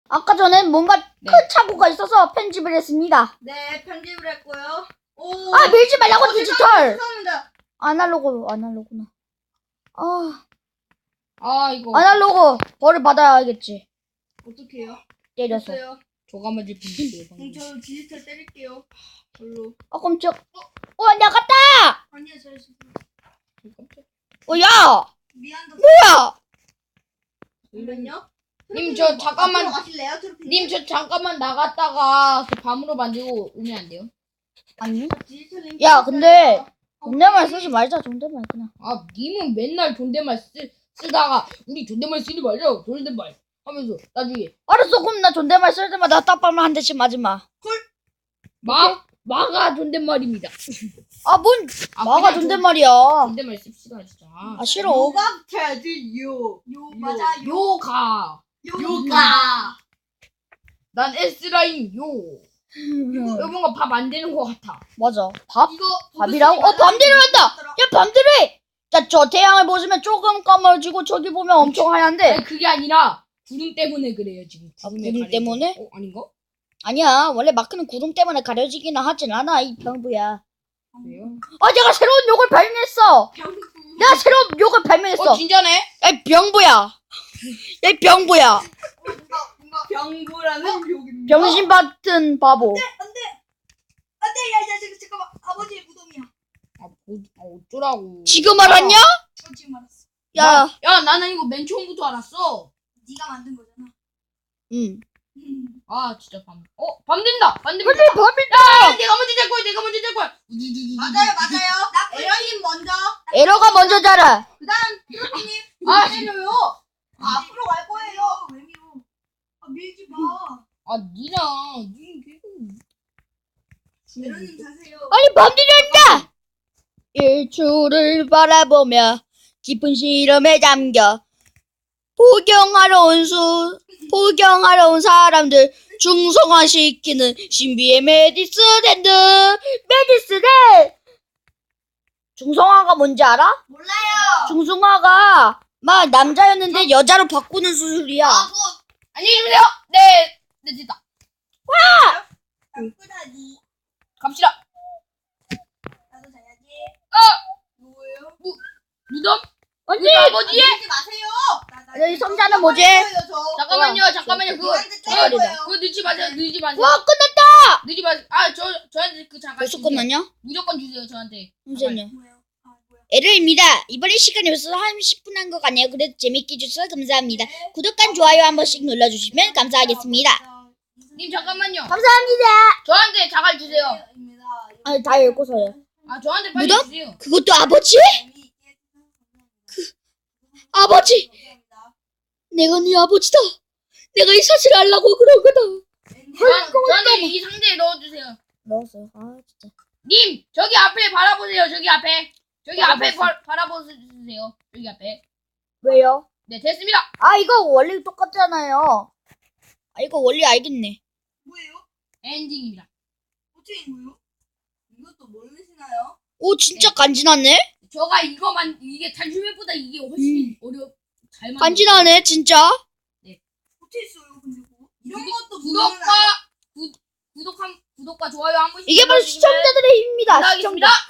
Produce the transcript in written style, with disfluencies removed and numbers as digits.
아까 전에 뭔가 네. 큰 착오가 있어서 편집을 했습니다. 네, 편집을 했고요. 오. 아, 밀지 말라고, 디지털! 죄송합니다. 아날로그구나. 이거 아날로그 벌을 받아야겠지. 어떻게 해요? 때려서. 됐어요. 조가 맞을 뻔했어요. 그럼 저 디지털 때릴게요. 별로. 깜짝. 나갔다! 아니요, 잘했어요. 야! 미안다. 뭐야! 잠깐만요. 님, 저 잠깐만. 앞으로 가실래요, 트로피님? 님, 저 잠깐만 나갔다가 그 밤으로 만들고 오면 안 돼요? 아니? 디지털 야, 근데 존댓말 쓰지 말자, 존댓말 그냥. 님은 맨날 존댓말 쓰다가 우리 존댓말 쓰지 말자 존댓말 하면서 나중에 알았어, 그럼 나 존댓말 쓸 때마다 딱밤을 한 대씩 맞지 마. 마가 존댓말입니다. 마가 그냥 존댓말이야. 존댓말 씁시다 진짜. 싫어. 요각 테드 요. 맞아. 요가. 요가. 난 S라인 요. 이거 뭔가 밥 안 되는 것 같아. 맞아. 밥? 이거 밥이라고? 밤대로 한다! 야, 밤대로 해! 야, 저 태양을 보시면 조금 까매지고 저기 보면 엄청 하얀데. 아니, 그게 아니라 구름 때문에 그래요 지금. 구름에 구름 가려져. 때문에? 아닌가? 아니야, 원래 마크는 구름 때문에 가려지기는 하진 않아, 이 병부야. 그래요? 내가 새로운 욕을 발명했어! 내가 새로운 욕을 발명했어! 진짜네? 야, 이 병부야! 야, 이 병부야! 뭔가 병구라는 욕입니다. 병신 같은 바보. 안돼, 야, 잠깐만. 아버지의 무덤이야. 어쩌라고. 지금 알았냐? 지금 알았어. 야, 나는 이거 맨 처음부터 알았어. 네가 만든 거잖아. 응. 진짜 밤. 밤 된다. 밤 된다. 밤이다! 내가 먼저 잘 거야. 맞아요. 에러님 먼저. 에러가 먼저 자라. 그다음 트로피님. 싫어요. 앞으로 갈 거예요. 왜 밀어? 밀지 마. 니랑 에러님 자세요. 아니, 밤들이 한다! 일출을 바라보며 깊은 시름에 잠겨 포경하러 온 사람들 중성화시키는 신비의 메디스랜드. 중성화가 뭔지 알아? 몰라요. 중성화가 막 남자였는데 여자로 바꾸는 수술이야. 그거 안녕히 계세요. 네, 됐다. 나쁘다니. 갑시다. 나도 자야지. 뭐예요? 무덤? 언니! 뭐지? 밀지 마세요. 여기 성자는 뭐지? 잠깐만요. 그거 때릴 거예요. 늦지 마세요. 와, 끝났다! 늦지 마세요. 저한테 그 잠깐 벌써 주세요. 끝났냐? 무조건 주세요 저한테. 잠시만요. 뭐예요? 뭐야? 에르입니다. 이번에 시간이 벌써 한 10분 한 것 같네요. 그래도 재밌게 해주셔서 감사합니다. 구독과 좋아요 한 번씩 눌러주시면 감사하겠습니다. 님 잠깐만요. 감사합니다. 저한테 자갈 주세요. 다 읽고서요. 저한테 빨리 무덤? 주세요. 그것도 아버지? 아버지! 내가 네 아버지다. 내가 이 사실을 알라고 그런 거다. 저한테 이 상자에 넣어주세요. 넣었어요. 진짜. 님 저기 앞에 바라보세요. 저기 앞에 바라봤어. 바라보세요. 여기 앞에. 왜요? 네 됐습니다. 이거 원리 똑같잖아요. 이거 원리 알겠네. 뭐예요? 엔딩입니다. 어떻게 된 거예요? 이것도 모르시나요? 오, 진짜 간지나네? 저가 이게 단슈맵보다 이게 훨씬 잘 만들었어요. 간지나네, 진짜. 어떻게 했어요? 근데 그거? 이런 것도 구독과 좋아요 한 번씩 이게 바로 눌러주시면 시청자들의 힘입니다. 감사하겠습니다.